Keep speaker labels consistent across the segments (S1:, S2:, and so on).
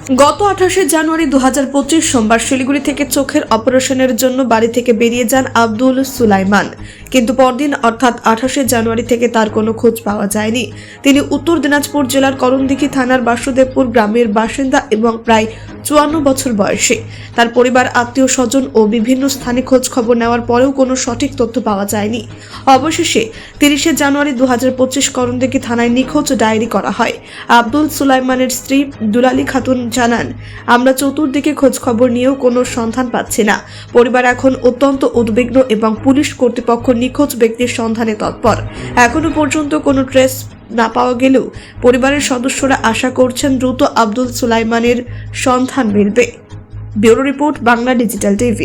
S1: গত 28শে জানুয়ারি 2025 সোমবার শিলিগুড়ি থেকে চোখের অপারেশনের জন্য বাড়ি থেকে বেরিয়ে যান আব্দুল সুলাইমান, কিন্তু পরদিন অর্থাৎ 28শে জানুয়ারি থেকে তার কোনো খোঁজ পাওয়া যায়নি। তিনি উত্তর দিনাজপুর জেলার করণদিঘি থানার বাসুদেবপুর গ্রামের বাসিন্দা এবং প্রায় 54 বছর বয়সী। তার পরিবার, আত্মীয় স্বজন ও বিভিন্ন স্থানে খোঁজ খবর নেওয়ার পরেও কোনো সঠিক তথ্য পাওয়া যায়নি। অবশেষে 30শে জানুয়ারি 2025 করণদিঘি থানায় নিখোঁজ ডায়েরি করা হয়। আব্দুল সুলাইমানের স্ত্রী দুলালী খাতুন জানান, আমরা চতুর্দিকে খোঁজ খবর নিয়েও কোনো সন্ধান পাচ্ছি না। পরিবার এখন অত্যন্ত উদ্বিগ্ন এবং পুলিশ কর্তৃপক্ষ নিখোঁজ ব্যক্তির সন্ধানে তৎপর। এখনো পর্যন্ত কোনো ট্রেস না পাওয়া গেলেও পরিবারের সদস্যরা আশা করছেন দ্রুত আব্দুল সুলাইমানের সন্ধান মিলবে। Bureau report, Bangla digital TV.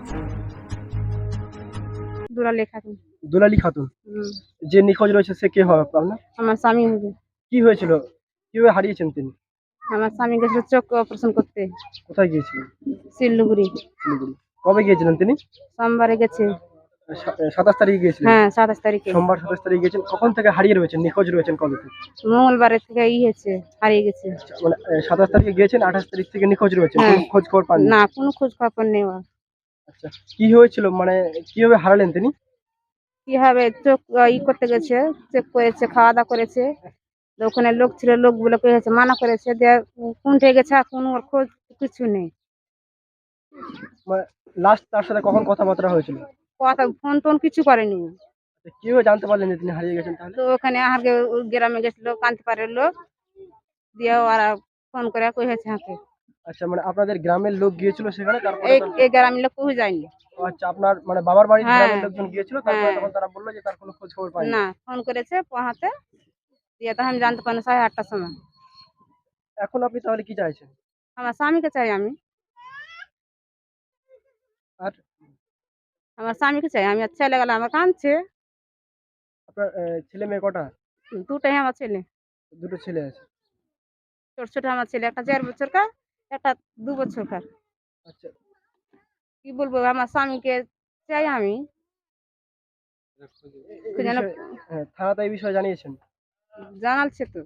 S2: Dulali Khatun.
S3: Dulali Khatun যে নিখোঁজ রয়েছে সে কে হবে আপনার?
S2: আমার স্বামী হবে।
S3: কি হয়েছিল, কিভাবে হারিয়েছেন তিনি?
S2: আমার স্বামী গেছিল চোখ অপারেশন করতে
S3: কোথায় গিয়েছিলেন?
S2: শিলিগুড়ি।
S3: শিলিগুড়ি। কবে গিয়েছিলেন তিনি?
S2: সোমবারে গেছে।
S3: 27 তারিখে গিয়েছিলেন?
S2: হ্যাঁ, 27 তারিখে।
S3: সোমবার 27 তারিখে গিয়েছেন। কখন থেকে হারিয়ে রয়েছেন, নিখোঁজ রয়েছেন কবে থেকে?
S2: মঙ্গলবারে থেকে হয়েছে, হারিয়ে গেছে।
S3: মানে 27 তারিখে গিয়েছেন, 28 তারিখ থেকে নিখোঁজ রয়েছেন,
S2: হ্যাঁ।
S3: কোনো খোঁজ খবর পাননি?
S2: না, কোনো খোঁজ খবর নেই ওর।
S3: আচ্ছা, কি হয়েছিল, মানে কিভাবে হারালেন তিনি?
S2: কিভাবে চোখ করতে গেছে, চেক করেছে, খাওয়া দাওয়া করেছে। তো ওখানে লোক ছিল, লোকগুলোকে হয়েছে মানা করেছে, দিয়ে কোনটে গেছে, আর কোনো ওর খোঁজ কিছু নেই।
S3: মানে লাস্ট তার সাথে কখন কথাবার্তা হয়েছিল?
S2: কথা ফোন টোন কিছু করেনি।
S3: আচ্ছা, কিভাবে জানতে পারলেন যে তিনি হারিয়ে গেছেন তাহলে?
S2: তো ওখানে আহারকে গ্রামে গেছিল কান্তিপাড়ের লোক, দিয়ে ওরা ফোন করে কইছে হাঁকে।
S3: আচ্ছা, মানে আপনাদের গ্রামের লোক গিয়েছিল সেখানে, তারপরে
S2: এই গ্রামের লোক কেউ যায়নি।
S3: আচ্ছা, আপনার মানে বাবার বাড়ির
S2: হ্যাঁ।
S3: গ্রামের লোকজন গিয়েছিল, তারপরে
S2: হ্যাঁ।
S3: তখন তারা বললো যে তার কোনো খোঁজ খবর পায়নি।
S2: না, ফোন করেছে পোহাতে, দিয়ে তো আমি জানতে পারিনি 8:30টার সময়।
S3: এখন আপনি তাহলে কি চাইছেন?
S2: আমার স্বামীকে চাই আমি।
S3: আর
S2: আমার স্বামীকে চাই আমি। আর ছেলে গেলে আমার কাঁদছে।
S3: আপনার ছেলে মেয়ে কটা?
S2: দুটাই আমার ছেলে।
S3: দুটো ছেলে আছে।
S2: ছোট ছোট আমার ছেলে, একটা 4 বছরকার, একটা 2 বছরকার।
S3: আচ্ছা,
S2: কি বলবো, আমার স্বামীকে চাই আমি।
S3: এই
S2: যেন
S3: বিষয়ে থানাতে এই বিষয়ে জানিয়েছেন?
S2: জানালছে তো।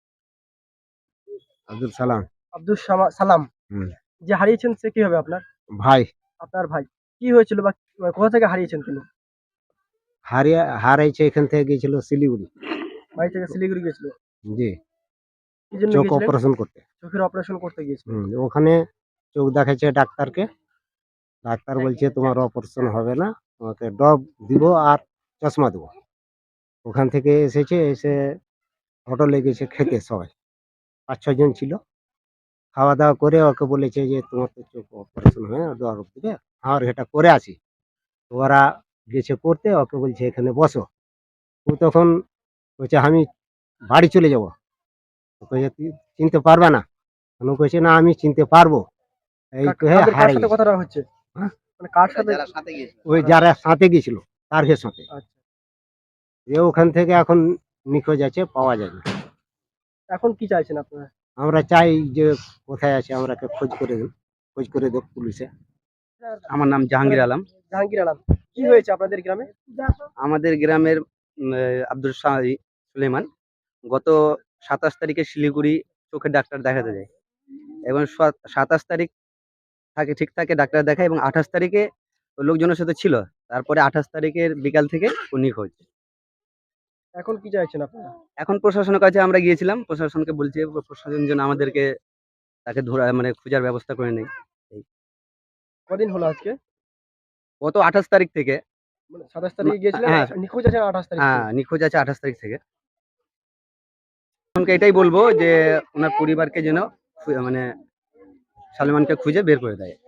S4: আব্দুল সালাম।
S3: আব্দুল সালাম
S4: হুম।
S3: যে হারিয়েছেন সে কি হবে আপনার?
S4: ভাই।
S3: আপনার ভাই। কি হয়েছিল বা কোথা থেকে হারিয়েছেন তিনি?
S4: হারাইছে, এখান থেকে গিয়েছিল শিলিগুড়ি।
S3: বাড়ি থেকে শিলিগুড়ি গেছিল?
S4: জি।
S3: কি জন্য
S4: চোখ
S3: গিয়েছিলেন?
S4: অপারেশন করতে।
S3: চোখের অপারেশন করতে গিয়েছিলেন?
S4: ওখানে চোখ দেখাচ্ছে ডাক্তারকে। ডাক্তার বলছে তোমার অপারেশন হবে না, তোমাকে ডব দিব আর চশমা দেবো। ওখান থেকে এসে হোটেলে গেছে খেতে সবাই, 5-6 জন ছিল। খাওয়া দাওয়া করে ওকে বলেছে যে তোমার তো চোখ অপারেশন হয়ে ডব দিবে, আর এটা করে আসি। তো ওরা গেছে করতে, ওকে বলছে এখানে বসো। ও তখন বলছে আমি বাড়ি চলে যাবো। ও কইছে তুই চিনতে পারবে না? ও কইছে না আমি চিনতে পারবো। এই কয়ে
S3: কার
S4: হারিয়ে
S3: সাথে
S4: গেছে।
S3: কথাটা হচ্ছে?
S4: হ্যাঁ?
S3: মানে কার সাথে?
S4: ওই যারা সাথে গেছিল তার সাথে।
S3: আচ্ছা,
S4: যে ওখান থেকে এখন নিখোঁজ আছে, পাওয়া যায় না।
S3: এখন কি চাইছেন আপনারা?
S4: আমরা চাই যে কোথায় আছে আমরাকে খোঁজ করে দেব পুলিশে।
S5: আমার নাম জাহাঙ্গীর আলম।
S3: জাহাঙ্গীর আলম, কি হয়েছে আপনাদের গ্রামে?
S5: আমাদের গ্রামের আব্দুল সুলেমান গত 27 তারিখে শিলিগুড়ি চোখের ডাক্তার দেখাতে যায় এবং 27 তারিখ ঠিক থাকে ডাক্তার দেখায় এবং 28 তারিখে লোকজনের সাথে ছিল। তারপরে 28 তারিখের বিকাল থেকে ও নিখোঁজ।
S3: এখন কি চাইছেন আপনারা?
S5: এখন প্রশাসনের কাছে আমরা গিয়েছিলাম, প্রশাসনকে বলছি প্রশাসন যেন আমাদেরকে তাকে ধরা মানে খোঁজার ব্যবস্থা করে নেয়।
S3: কদিন হলো আজকে?
S5: গত 28 তারিখ থেকে।
S3: মানে 27 তারিখে গিয়েছিলেন,
S5: হ্যাঁ।
S3: নিখোঁজ আছেন 28 তারিখ
S5: হ্যাঁ,
S3: থেকে?
S5: নিখোঁজ আছে 28 তারিখ থেকে। প্রশাসনকে এটাই বলবো যে ওনার পরিবারকে যেন মানে সালমানকে খুঁজে বের করে দেয়।